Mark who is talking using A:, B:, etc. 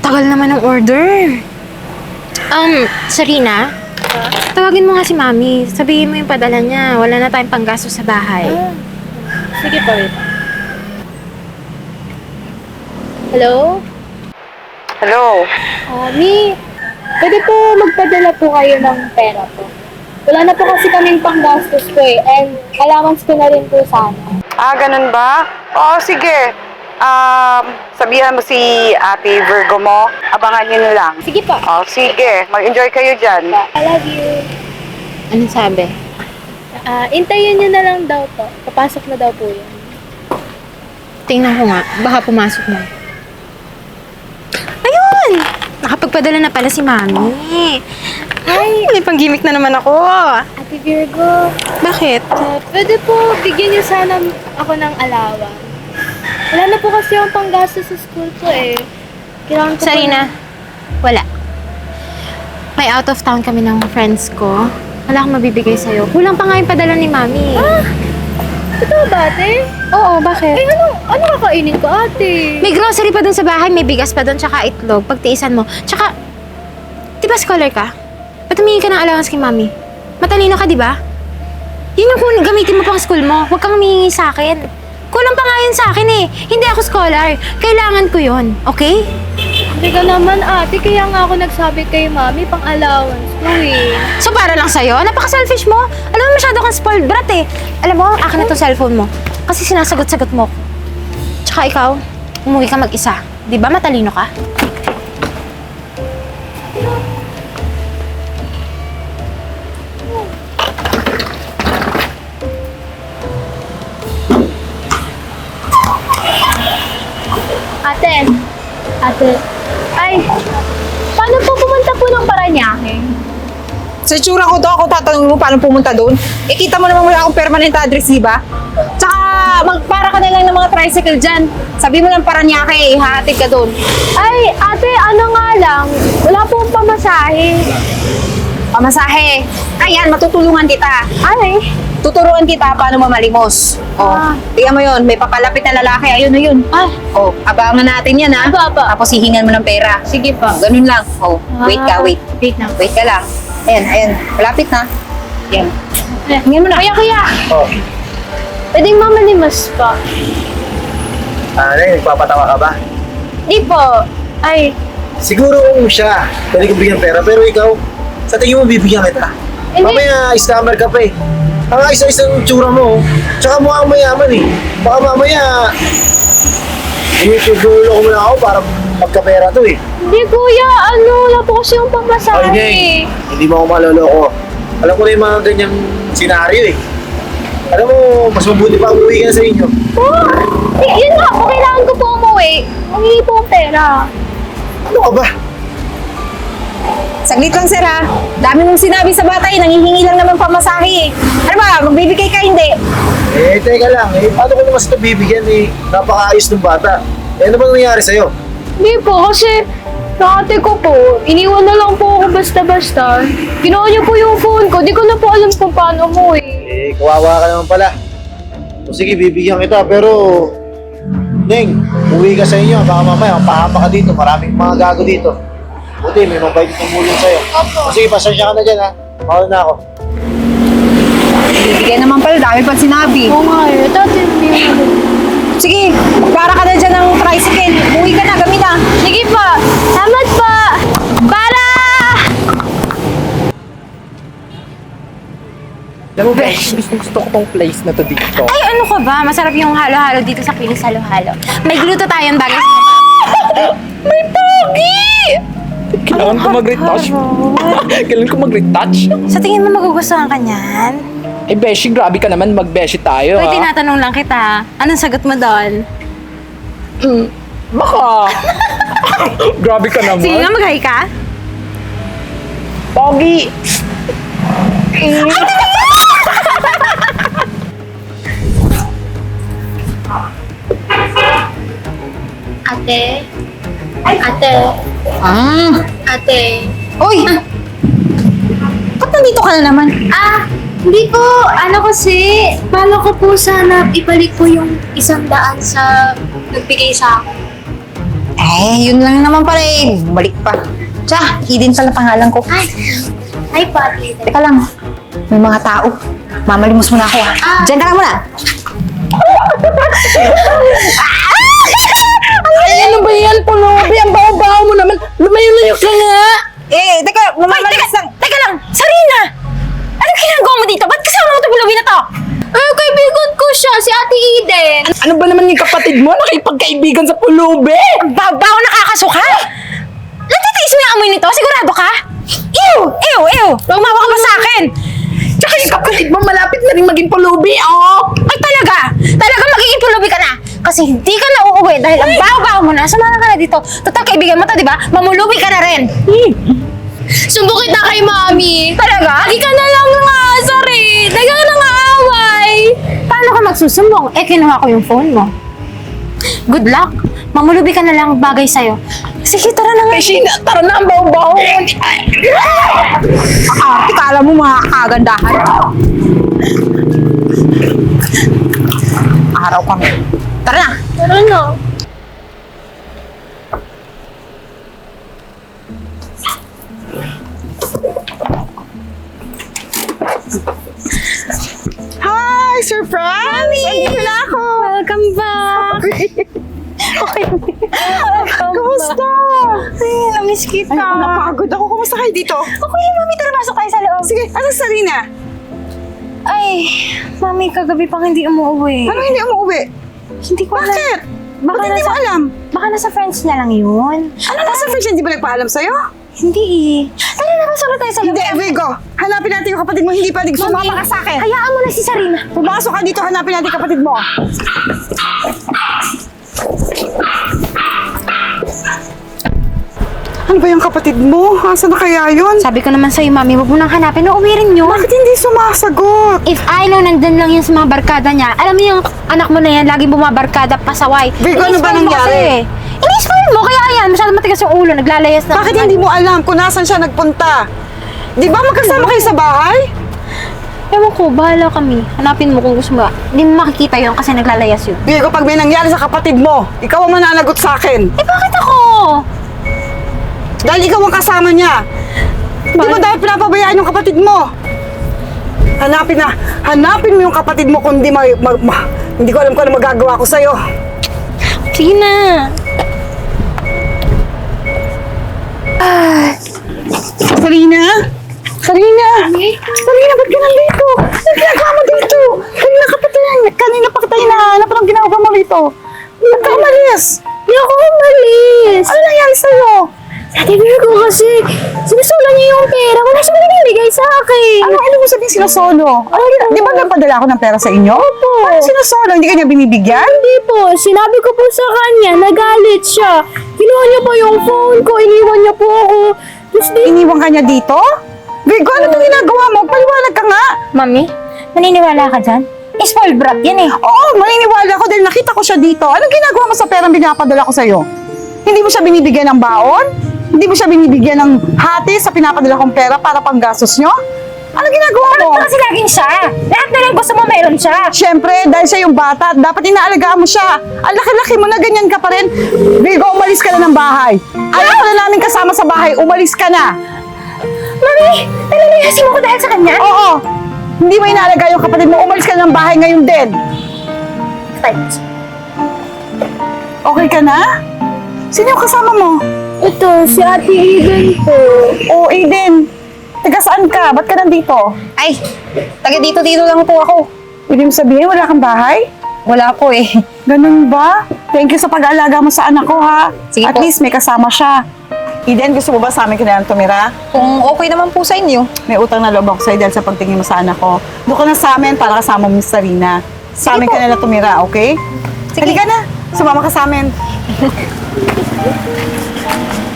A: Tagal naman ng order. Sarina? Tawagin mo nga si Mami. Sabihin mo yung padala niya. Wala na tayong panggastos sa bahay.
B: Sige pa, wait. Hello?
C: Hello?
B: Mi, pwede po magpadala po kayo ng pera po. Wala na po kasi kaming panggastos ko eh. And allowance ko na rin po sana.
C: Ganun ba? Oo, sige. Sabihan mo si Ate Virgo mo. Abangan niyo na lang.
B: Sige pa.
C: Sige. Mag-enjoy kayo dyan.
B: I love you.
A: Anong sabi?
B: Intayin niyo na lang daw po. Papasok na daw po yun.
A: Tingnan ko nga. Baka pumasok na. Ayun! Nakapagpadala na pala si Mami. Ay, may pang-gimmick na naman ako.
B: Ate Virgo,
A: Bakit?
B: pwede po bigyan niyo sana ako ng allowance. Wala na po kasi yung panggastos sa school ko eh. Kailangan ko
A: Sarina, wala. May out of town kami ng friends ko. Wala akong mabibigay sa'yo. Kulang pa nga yung padala ni Mami.
B: Totoo ba, ate?
A: Oo, bakit?
B: Ano kakainin ko, ate?
A: May grocery pa dun sa bahay, may bigas pa dun, tsaka itlog, pagtiisan mo. Tsaka, di ba scholar ka? Ba't humingi ka ng allowance kay Mami? Matalino ka, di ba? Yun yung gamitin mo pang school mo. Huwag kang humingi sa akin. Kulang pa nga yun sa akin eh. Hindi ako scholar. Kailangan ko yun, okay?
B: Hindi ka naman, ate. Kaya nga ako nagsabi kay mami pang allowance ko eh.
A: So para lang sa'yo, napaka-selfish mo. Alam mo, masyado kang spoiled brat eh. Alam mo, akin na tong cellphone mo. Kasi sinasagot-sagot mo. Tsaka ikaw, umuwi ka mag-isa. Di ba matalino ka?
B: Ate, ay, paano po pumunta po ng Paranaque?
D: Sa itsura ko daw, ako tatanungin mo paano pumunta doon. Eh, kita mo naman wala akong permanent address, di ba? Tsaka, magpara ka na lang ng mga tricycle dyan. Sabi mo lang Paranaque, ihahatid ka doon.
B: Ay, ate, ano nga lang, wala pong pamasahe.
D: Pamasahe. Ayan, matutulungan kita.
B: Ay,
D: Tuturuan kita paano mamalimos. Tingnan mo yun, may papalapit na lalaki. Ayun na yun. Abangan natin yan, ha?
B: Apa.
D: Tapos hihingan mo ng pera.
B: Sige pa.
D: Ganun lang. Wait ka, wait.
B: Wait na.
D: Wait ka lang. Ayan. Malapit na. Yan. Hingin mo na.
B: Kuya,
E: Oh,
B: pwedeng mamalimas pa.
E: nagpapatawa ka ba?
B: Di po. Ay,
E: Siguro kung siya, pwede ko bigyan pera, pero ikaw, sa tingin mo bibigyan kita.
B: Hindi.
E: Mamaya, scammer ka pa eh. Ang isa-isang tsura mo, tsaka mukhang mayaman eh. Baka mamaya, inutulo ko muna ako para magkapera to eh.
B: hindi kuya, wala po kasi yung pamasahe.
E: Ay, hindi mo ako maloloko. Alam ko na yung mga ganyang senaryo eh. Alam mo, mas mabuti pa umuwi ka na sa inyo.
B: Yun nga po, kailangan ko po umuwi. Mangingi po ang pera.
E: Ano ka ba?
D: Saglit lang, sir, ha? Dami mong sinabi sa bata, eh. Nangihingi lang naman pamasahe, eh. Ano ba? Magbibigay ka, hindi?
E: Teka lang. Paano ko naman sa ito bibigyan eh? Napakaayos ng bata. Ano ba nangyari sa'yo?
B: Hindi po, kasi ate ko po, iniwan na lang po ako basta-basta. Ginawa niyo po yung phone ko, di ko na po alam kung paano umuwi.
E: Kawawa ka naman pala. O sige, bibigyan kita, pero... Neng, uwi ka sa inyo. Baka mamaya, pahama ka dito. Maraming mga gago dito. Buti, may mabait tumulong sa'yo.
B: Opo.
E: O sige, pasensya ka na dyan, ha? Mahal na ako.
D: Bibigay naman pala, dami pang sinabi.
B: Oo nga eh, dati hindi.
D: Sige, para ka na dyan ng tricycle. Umuwi ka na, gamit na.
B: Sige pa, salamat pa! Para!
F: Alam mo, Besh, gusto ko tong place na to dito.
A: Ay, ano ka ba? Masarap yung halo-halo dito sa Pilis Halo-Halo. May gluto tayong bagay.
F: May pogi! Kailangan ko mag-retouch. Kailangan ko mag-retouch.
A: Sa tingin mo magugustuhan ka niyan?
F: Eh, Beshi, grabe ka naman. Mag-Beshi tayo,
A: Uy,
F: ha?
A: tinatanong lang kita. Anong sagot mo doon?
F: Baka. Grabe ka naman.
A: Sige nga, mag-hi ka.
F: Pogi!
B: Ate? Ate? Ate?
D: Uy! Ba't nandito ka na naman?
B: Hindi po, kasi, bala ko po sana ibalik po yung 100 sa nagbigay sa akin.
D: Ay, yun lang naman pala eh. Balik pa. Tsaka, Eden pala pangalan ko.
B: Hi, Pati.
D: Teka lang, may mga tao. Mamalimos muna ako Diyan ka lang muna.
F: Ay, ano ba yan, Pulubi? Ang baho-baho mo naman. Lumayo-layo ka nga.
D: Teka, mamalimos lang.
A: Teka lang! Sarina! Anong ginagawa mo dito? Ba't kasama mo ito pulubi na to?
B: Kaibigan ko siya, si Ate Eden.
F: Ano ba naman yung kapatid mo? Nakipagkaibigan sa Pulubi?
A: Ang babaw nakakasuka! Natitiis mo yung amoy nito? Sigurado ka? Ew! Ew! Ew! Umawa ka pa sa akin!
F: Tsaka yung kapatid mo malapit na rin maging Pulubi, oh!
A: Ay talaga! Talaga magiging pulubi ka na! Kasi hindi ka na uuwi dahil ang baho-baho mo na. Sumama ka na dito. Total kaibigan mo to, di ba? Mamulubi ka na rin!
B: Sumbukit na kay Mami.
A: Talaga?
B: Di ka na lang nga, sorry. Di ka na nga away.
A: Paano ka magsusumbong? Kinuha ko yung phone mo. Good luck. Mamulubi ka na lang bagay sa'yo. Sige, tara na nga.
F: Beshi, tara na ang baho-baho.
D: Kala mo mga kagandahan. Araw kami. Tara na.
B: Tara na.
C: Hi, surprise! Andito na ako!
A: Welcome back.
C: Kumusta?
A: Ay, namiss kita.
C: Ay, napagod ako. Kumusta kayo dito?
A: Okay, mami, tara pasok tayo sa loob.
C: Sige, asan si Sarina?
A: Ay, mami, kagabi pang hindi umuwi.
C: Ano hindi umuwi?
A: Hindi ko alam.
C: Bakit?
A: Baka
C: Ba't hindi mo
A: nasa,
C: alam?
A: baka nasa friends niya lang yun.
C: Ano nasa fridge? Hindi ba nagpaalam sa'yo?
A: Hindi eh. Tara na, pasok na tayo sa loob.
C: Hindi, Virgo. Hanapin natin yung kapatid mo. Hindi pwedeng sumama ka sa akin.
A: Hayaan mo na si Sarina.
C: Pumasok ka dito. Hanapin natin yung kapatid mo. Ano ba yung kapatid mo? Asan na kaya yun?
A: Sabi ko naman sa'yo, mami, huwag mo nang hanapin. Uuwi rin yun.
C: Bakit hindi sumasagot?
A: If I know nandun lang yun sa mga barkada niya, alam mo yung anak mo na yan, laging bumabarkada, pasaway.
C: Virgo, ano ba
A: Ini-spoil mo
C: nangyari?
A: kasi. Ini-spoil mo, kaya yan, masyado matigas yung ulo, naglalayas na.
C: Bakit hindi mo alam kung nasan siya nagpunta? Di ba magkasama kayo sa bahay?
A: Ewan ko, bahala kami. Hanapin mo kung gusto mo. Hindi mo makikita yun kasi naglalayas yun.
C: Virgo, pag may nangyari sa kapatid mo, ikaw ang mananagot sa akin.
A: Eh, bakit ako?
C: Dahil ikaw ang kasama niya. Di ba dahil pinapabayaan yung kapatid mo? Hanapin mo yung kapatid mo kung hindi hindi ko alam kung ano magagawa ko sa'yo.
A: Sige na.
C: Sarina? Sarina, ba't ka nandito? Ano ginagawa mo dito? Kanina pa kita hinahanap. Anong ginagawa mo rito? Ba't ka umalis?
B: Hindi ako umalis.
C: Ano nangyari sa'yo?
B: Ate Virgo kasi, sinusula niya yung pera. Wala siya binibigay sa akin.
C: Ano mo sabihin sinasolo? Di ba napadala ako ng pera sa inyo? Opo. Ano sinasolo? Hindi ka niya binibigyan?
B: Hindi po, sinabi ko po sa kanya, nagalit siya. Kinuha niya po yung phone ko, iniwan niya po ako. Tapos
C: Iniwan ka niya dito? Virgo, ano itong ginagawa mo? Paliwanag ka nga.
A: Mami, naniniwala ka dyan? Spoiled brat yan eh.
C: Oo, maniniwala ako dahil nakita ko siya dito. Anong ginagawa mo sa perang binapadala ko sa'yo? Hindi mo siya binibigyan ng baon? Hindi mo siya binibigyan ng hati sa pinapadala kong pera para pang gastos nyo? Anong ginagawa mo?
A: Bakit kasi laging siya? Lahat na lang gusto mo meron siya.
C: Siyempre, dahil siya yung bata, dapat inaalagaan mo siya. Ang laki-laki mo na ganyan ka pa rin. Virgo, umalis ka na ng bahay. Alam ko na namin kasama sa bahay, umalis ka na.
A: Mami, nalalayasin mo ko dahil sa kanya?
C: Oo, hindi mo inaalagaan yung kapatid mo, umalis ka na ng bahay ngayon din. Okay ka na? Sino yung kasama mo?
B: ito, si Ate Eden po.
C: Oo, Aiden. Taga saan ka? Ba't ka nandito?
D: Ay, taga dito lang po ako.
C: Ibig mo sabihin, wala kang bahay?
D: Wala po eh.
C: Ganun ba? Thank you sa pag-aalaga mo sa anak ko, ha?
D: Sige
C: At
D: po.
C: least may kasama siya. Eden, gusto mo ba sa amin kailangan tumira?
D: Kung okay naman po sa inyo.
C: May utang na loob ako sa'yo dahil sa pagtingin mo sa anak ko. Doon ka na sa amin para kasama mo si Sarina. Sa
D: Sige
C: amin
D: po.
C: ka na tumira, okay?
D: Sige.
C: Halika na. Sumama ka sa amin.